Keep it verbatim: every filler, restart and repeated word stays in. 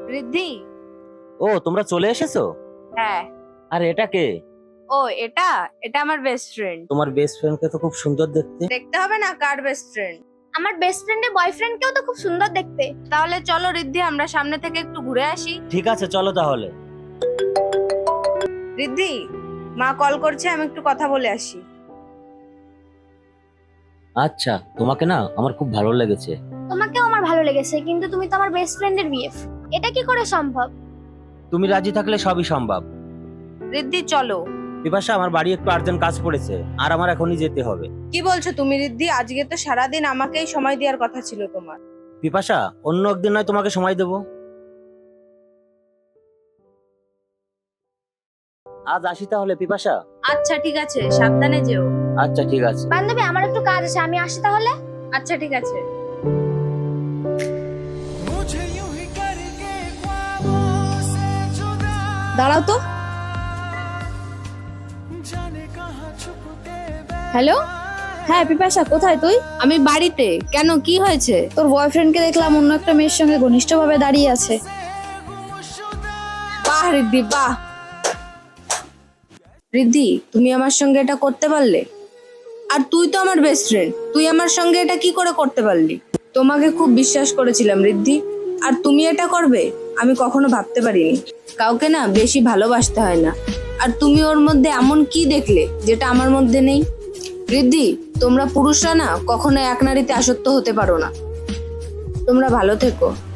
রিদ্ধি। ও তোমরা চলে এসেছো? হ্যাঁ। আর এটা কে? ও এটা এটা আমার বেস্ট ফ্রেন্ড। তোমার বেস্ট ফ্রেন্ডকে তো খুব সুন্দর দেখতে। দেখতে হবে না কার বেস্ট ফ্রেন্ড? আমার বেস্ট ফ্রেন্ডের বয়ফ্রেন্ডকেও তো খুব সুন্দর দেখতে। তাহলে চলো রিদ্ধি আমরা সামনে থেকে একটু ঘুরে আসি। ঠিক আছে চলো তাহলে। রিদ্ধি, মা কল করছে, আমি একটু কথা বলে আসি। আচ্ছা, তোমাকে না আমার খুব ভালো লেগেছে। তোমাকেও আমার ভালো লেগেছে, কিন্তু তুমি তো আমার বেস্ট ফ্রেন্ডের বিএফ। এটা কি করে সম্ভব? তুমি রাজি থাকলে সবই সম্ভব। রিদ্ধি চলো। বিপাশা, আমার বাড়ি একটু আর্জেন্ট কাজ পড়েছে আর আমার এখনই যেতে হবে। কি বলছো তুমি রিদ্ধি? আজকে তো সারাদিন আমাকেই সময় দেওয়ার কথা ছিল তোমার। বিপাশা, অন্য একদিন নয় তোমাকে সময় দেবো। আজ আসি তাহলে বিপাশা। আচ্ছা ঠিক আছে, সাবধানে যেও। আচ্ছা ঠিক আছে। বান্ধবী, আমার একটু কাজ আছে, আমি আসি তাহলে। আচ্ছা ঠিক আছে। দাঁড়াও তো। হ্যালো। হ্যাঁ পিপাসা, কোথায় তুই? আমি বাড়িতে। কেন, কি হয়েছে? তোর বয়ফ্রেন্ডকে দেখলাম অন্য একটা মেয়ের সঙ্গে ঘনিষ্ঠভাবে দাঁড়িয়ে আছে। বাহ রিদ্ধি বাহ। রিদ্ধি, তুমি আমার সঙ্গে এটা করতে পারলে? আর তুই তো আমার বেস্ট ফ্রেন্ড, তুই আমার সঙ্গে এটা কি করে করতে পারলি? তোমাকে খুব বিশ্বাস করেছিলাম রিদ্ধি, আর তুমি এটা করবে আমি কখনো ভাবতে পারিনি। কাউকে না বেশি ভালোবাসতে হয় না, আর তুমি ওর মধ্যে এমন কি দেখলে যেটা আমার মধ্যে নেই? রিদ্ধি, তোমরা পুরুষরা না কখনো এক নারীতে আসক্ত হতে পারো না। তোমরা ভালো থেকো।